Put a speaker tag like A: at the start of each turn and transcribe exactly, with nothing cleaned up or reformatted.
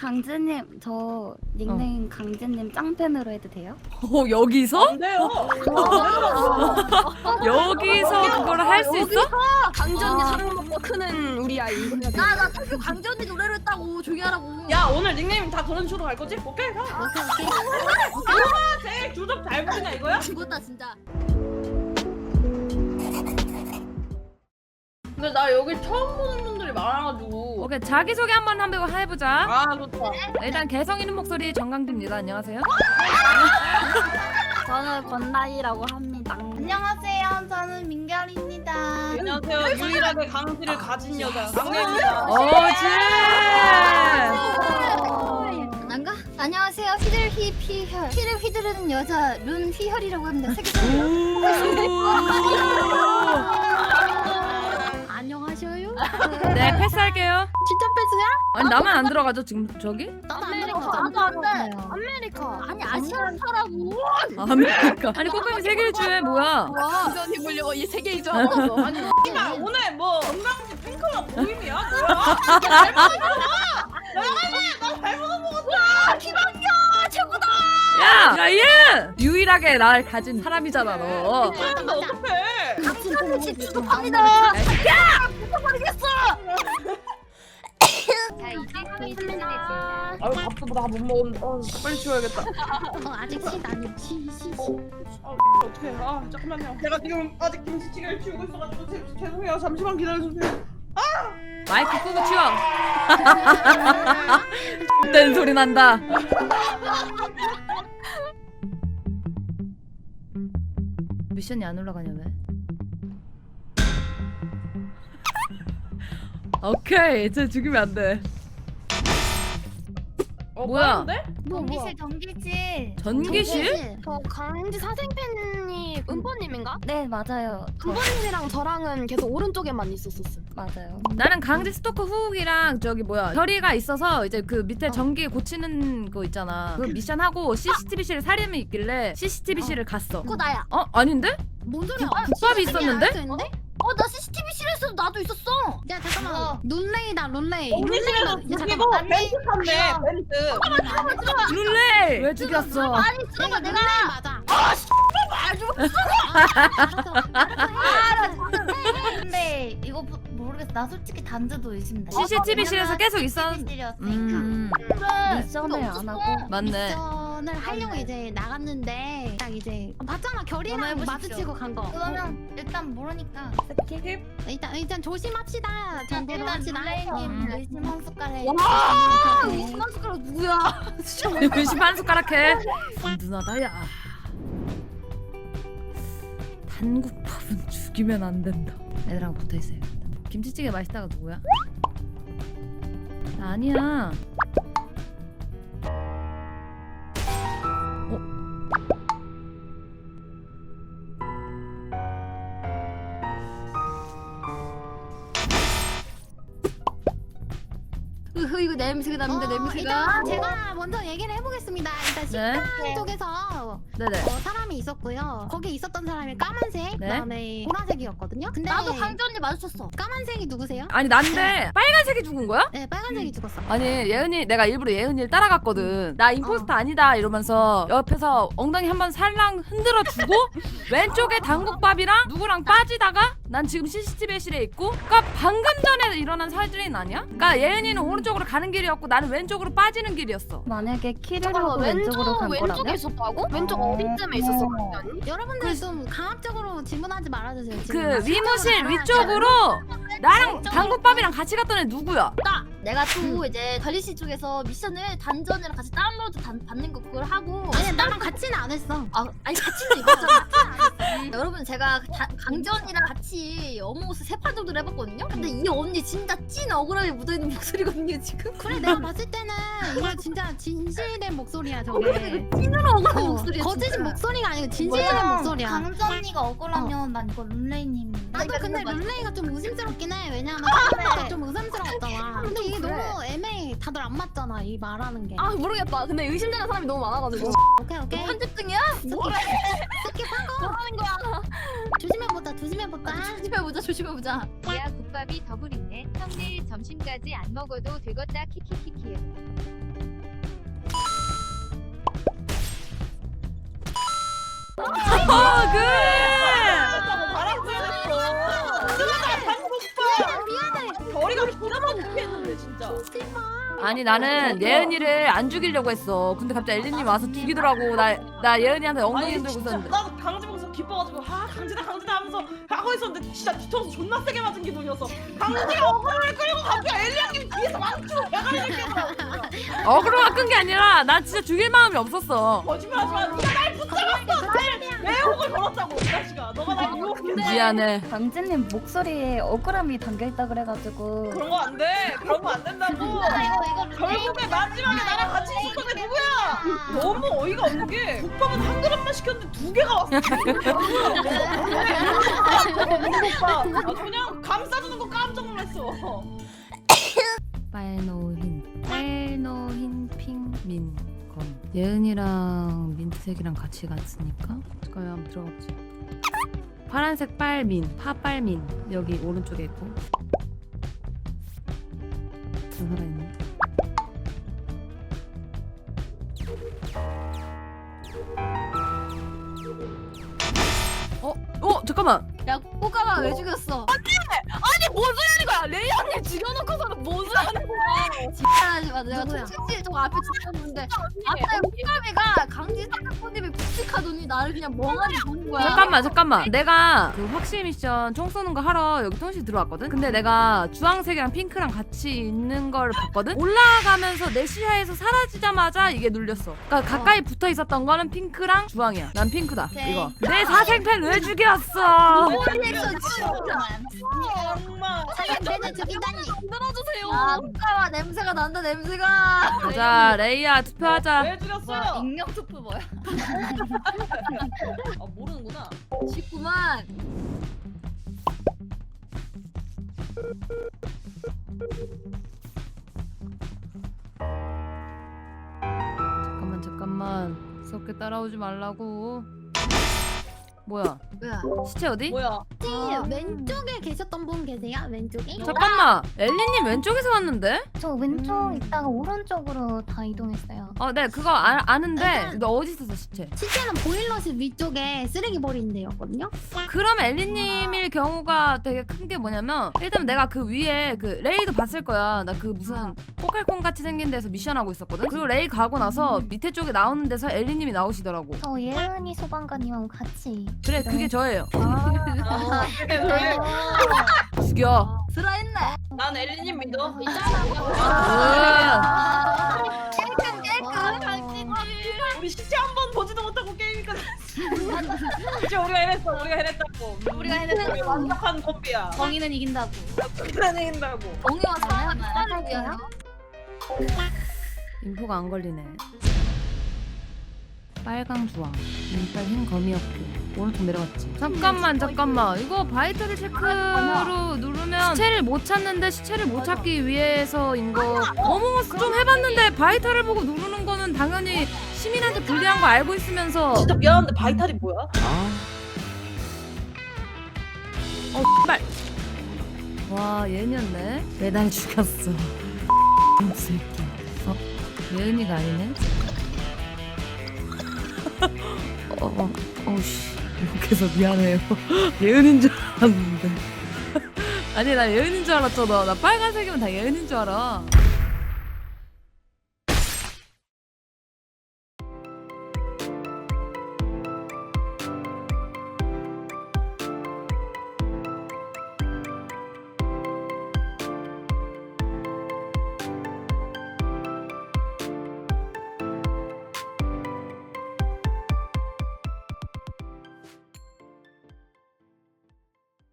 A: 강재님 저 닉네임 강재님 짱팬으로 해도 돼요?
B: 어 여기서?
C: 안 돼요.
B: 여기서 그걸 할 수 있어?
D: 강재 언니
A: 아.
D: 사랑 먹고 크는 우리 아이.
E: 나나 사실 강재 언니 노래를 했다고 조용히 하라고.
C: 야 오늘 닉네임 다 그런 식으로 갈 거지? 오케이 가.
E: 오케이 오케이.
C: 누가 제일 주접 잘 부리냐 이거야?
E: 죽었다 진짜.
C: 근데 나 여기 처음 보는 분들이 많아가지고.
B: 오케이 자기소개 한번 한번 해보자.
C: 아 좋다.
B: 일단 개성 있는 목소리 정강진입니다. 안녕하세요.
A: 저는 권나희라고 합니다. 안녕하세요. 저는 민결입니다.
C: 안녕하세요. 유일하게 강지를 가진 여자 강혜입니다.
B: 어지.
E: 난가? 안녕하세요. 휘들 휘 피혈. 휘를 휘두르는 여자 룬 휘혈이라고 합니다. 세계적으로. 안녕하셔요.
B: 네 패스할게요.
E: 진짜 패스야?
B: 아니 나만 안 들어가죠 지금 저기?
E: 나도
A: 아메리카.
E: 나도 안 돼.
A: 아메리카.
E: 아니 아시아사라고.
B: 아메리카. 아니 꼬꼬미 세 개를 주해 뭐야?
D: 강재 언니 보려고 이 세 개이죠.
C: 아니 씨발 오늘 뭐 건강지 핑크랑 모임이야? 뭐야? 나 잘못 먹었다.
E: 김학년 최고다.
B: 야, 야 얘! 유일하게 날 가진 사람이잖아 너.
C: 근데 어떡해?
E: 강진이 집 취급합니다.
B: 야,
E: 미쳐버리겠어.
F: 자 이제 거의 끝냈습니다.
C: 아유 밥도 다 못 먹었는데. 어, 빨리 치워야겠다.
E: 어, 아직 시 아니 시 시.
C: 아 어떡해. 아 잠깐만요. 제가 지금 아직 김치찌개를 치우고 있어가지고 제, 죄송해요. 잠시만 기다려주세요.
B: 마이크 끄고 치워. 된 소리 난다. 미션이 안 올라가냐 왜? 오케이, 쟤 죽이면 안 돼.
C: 어,
B: 뭐야?
C: 빠른데?
E: 뭐
A: 전기실 전기실.
B: 전기실?
D: 저 강지 사생팬이 은보님인가?
A: 네 맞아요. 저,
D: 은보님이랑 저랑은 계속 오른쪽에만 있었었어.
A: 맞아요.
B: 나는 강제 스토커 후욱이랑 저기 뭐야 결의가 있어서 이제 그 밑에 전기 고치는 거 있잖아. 그 미션 하고 씨씨티비실에 살인이 있길래 씨씨티비실을 갔어.
E: 그거 나야.
B: 어? 아닌데?
E: 뭔 소리야?
B: 국밥이 있었는데?
E: 어, 나 씨씨티비실에서 나도 있었어. 야, 잠깐만. 룬레이다, 룬레이.
C: 전기실에서 죽이고 벤트 탔네. 벤트.
B: 룰레이! 왜 죽였어?
E: 아니, 잠깐만, 내가 맞아.
A: 근데 이거 모- 모르겠어. 나 솔직히 단지도 의심돼.
B: 씨씨티비실에서 계속 있었...
A: 씨씨티비실이었으니까.
B: 음...
A: 미션을 안 하고.
B: 맞네.
E: 미션을 하려고 이제 나갔는데 딱 이제 봤잖아, 결이랑
A: 전화해보십시오.
E: 마주치고 간 거.
A: 그러면 일단 모르니까 스킵.
E: 일단 일단 조심합시다. 정보로
A: 일단
E: 합시다.
A: 룰레이님 의심 한 숟가락에.
E: 와,
A: 의심 한 숟가락 누구야?
B: 의심 한 숟가락 해. 든든하다 야. 단국밥은 죽이면 안 된다. 애들하고 붙어있어요. 김치찌개 맛있다가 누구야? 나 아니야.
E: 으흐, 이거 냄새가 납니다, 냄새가. 일단 제가 먼저 얘기를 해보겠습니다. 일단 식당
A: 네.
E: 쪽에서
B: 네네.
E: 어, 사람이 있었고요. 거기에 있었던 사람이 까만색,
B: 네.
E: 그다음에 보라색이었거든요. 근데
A: 나도 강재 언니 마주쳤어.
E: 까만색이 누구세요?
B: 아니 난데 빨간색이 죽은 거야?
E: 네, 빨간색이 죽었어.
B: 아니 예은이 내가 일부러 예은이를 따라갔거든. 나 임포스터 아니다 이러면서 옆에서 엉덩이 한번 살랑 흔들어 주고 왼쪽에 당국밥이랑 누구랑 빠지다가 난 지금 씨씨티비실에 있고 그러니까 방금 전에 일어난 살인 아니야? 그러니까 예은이는 오른쪽으로 가는 길이었고 나는 왼쪽으로 빠지는 길이었어.
A: 만약에 키를
D: 잠깐만,
A: 하고 왼쪽으로 간
D: 왼쪽에
A: 거라면?
D: 있었다고? 왼쪽 어디쯤에 있었어, 강재 언니?
E: 여러분들 좀 강압적으로 질문하지 말아주세요.
B: 그
E: 지금
B: 위무실 위쪽으로 나랑 당국밥이랑 같이 갔던 애 누구야?
A: 내가 또 이제 다리씨 쪽에서 미션을 단전이랑 같이 다운로드 단, 받는 거 그걸 하고.
E: 아니 나랑 같이는 안 했어.
A: 아 아니 같이는 입었잖아. 여러분 제가 다, 강재 언니랑 같이 어몽어스 세 판 정도를 해봤거든요. 근데 이 언니 진짜 찐 억울함이 묻어있는 목소리거든요 지금.
E: 그래 내가 봤을 때는 이거 진짜 진실된 목소리야 저게.
A: 찐으로 억울한
E: 어,
A: 목소리야.
E: 거짓
A: 진짜.
E: 목소리가 아니고 진실된 목소리야.
A: 강재 언니가 억울하면 난 이거 룬레이님.
E: 나도 근데 룰레이가 좀 의심스럽긴 해. 왜냐면 처음에 좀 의심스러웠잖아. 근데 이게
A: 그래.
E: 너무 애매해. 다들 안 맞잖아 이 말하는 게.
D: 아 모르겠다. 근데 의심되는 사람이 너무 많아가지고.
E: 오케이 오케이.
A: 편집 중이야?
E: 스킵한 거.
D: 뭐 하는 거야?
E: 조심해보자 조심해보자.
A: 조심해보자 조심해보자.
F: 야 국밥이 더블 있네. 형 내일 점심까지 안 먹어도 되겠다 키키키키.
C: 드라마 못했는데 진짜.
B: 아니 나는 예은이를 안 죽이려고 했어. 근데 갑자기 엘리님 와서 죽이더라고. 나 나 예은이한테 엉덩이
C: 아니
B: 흔들고
C: 진짜
B: 있었는데.
C: 나도 강제 보고서 기뻐가지고 아 강제다 강제다 하면서 하고 있었는데 진짜 뒤통수 존나 세게 맞은 기분이었어. 강제가 어그로를 끌고 갑자기 엘리 형님이 뒤에서 망치고 대가리를 깨버려.
B: 어그로가 끈 게 아니라 난 진짜 죽일 마음이 없었어.
C: 거짓말하지 마. 네가 날 붙잡았어. 내 매혹을 걸었다고 이 자식아. 너가 날 유혹했는데.
B: 미안해.
E: 강진님 목소리에 억울함이 담겨있다 그래가지고
C: 그런 거 안 돼. 그런 거 안 된다고. 결국에 마지막에 나랑 같이 있었던 게 누구야? 너무 어이가 없는 게 국밥은 한 그릇만 시켰는데 두 개가 왔어. 아, 그냥 감싸주는 거 깜짝 놀랐어.
B: 빨노흰 빨노흰 핑민검 예은이랑 민트색이랑 같이 갔으니까 잠깐 한번 들어가보자. 파란색 빨민 파빨민 여기 오른쪽에 있고 저 살아있네. 어? 어? 잠깐만.
A: 야 꼬까마 왜 죽였어?
D: 아니 뭔 소리 하는 거야? 레이 언니 죽여놓고서는 뭔 소리 하는 거야?
A: 진짜하지 마. 내가
D: 누구야?
A: 칠칠 쪽 앞에 찍었는데 앞에 꼬까미가 강지 사카코님이 푹직하더니 나를 그냥 멍하니 보는 거야.
B: 잠깐만 잠깐만 내가 그 확실 미션 총 쏘는 거 하러 여기 통신 들어왔거든. 근데 내가 주황색이랑 핑크랑 같이 있는 걸 봤거든. 올라가면서 내 시야에서 사라지자마자 이게 눌렸어. 그러니까 가까이 붙어 있었던 거는 핑크랑 주황이야. 난 핑크다.
A: 네.
B: 이거 내 사생팬 왜 죽였어?
A: 리액션 진짜.
C: 정말.
E: 사생팬을 죽이다니.
D: 들어주세요.
A: 아 꼬까마 냄새가 난다 냄새가.
B: 자 레이야 투표하자.
C: 왜 죽였어요?
A: 익명 투표 뭐야?
C: 아 모르는구나.
A: 쉽구만.
B: 잠깐만 잠깐만 섞게 따라오지 말라고. 뭐야
A: 뭐야?
B: 시체 어디?
C: 뭐야?
E: 혹시 왼쪽에 계셨던 분 계세요? 왼쪽에?
B: 잠깐만 엘리님 왼쪽에서 왔는데?
E: 저 왼쪽
A: 음.
E: 있다가 오른쪽으로 다 이동했어요.
B: 어 네 그거 아, 아는데 너 어디 있었어 시체?
E: 시체는 보일러실 위쪽에 쓰레기 버리는 데였거든요.
B: 그럼 엘리님일 경우가 되게 큰 게 뭐냐면 일단 내가 그 위에 그 레이도 봤을 거야. 나 그 무슨 포칼콘 같이 생긴 데서 미션 하고 있었거든. 그리고 레이 가고 나서 밑에 쪽에 나오는 데서 엘리님이 나오시더라고.
E: 저 예은이 소방관님하고 같이.
B: 그래 그게 저예요.
C: 아, 그래.
B: 죽여.
A: 슬라했네.
C: 난 엘리님 믿어.
B: 으아.
A: 깨끗 깨끗.
C: 우리 시체 한 번 보지도 못하고 게임이니까. 진짜 우리가 해냈어. 우리가 해냈다고.
A: 우리가 해냈어.
C: 우리 완벽한 콤비야.
A: 정의는 이긴다고.
C: 우리가 해낸다고.
A: 정의와 사랑은
E: 따라할게요.
B: 인포가 안 걸리네. 빨강 주황 민빨 흰 거미였고 오른쪽 내려갔지. 잠깐만 잠깐만 이거 바이터리 체크로 누르면 시체를 못 찾는데 시체를 못 찾기 위해서인 거 어몽어스 좀 해봤는데 바이터를 보고 누르는 거는 당연히 시민한테 불리한 거 알고 있으면서
C: 진짜 미안한데 바이탈이 뭐야?
B: 어 빨. 와 예은이었네. 매달 죽였어. 이 새끼. 어 예은이가 아니네. 어, 어, 어우씨 욕해서 미안해요. 예은인 줄 알았는데. 아니 나 예은인 줄 알았잖아. 나 빨간색이면 다 예은인 줄 알아.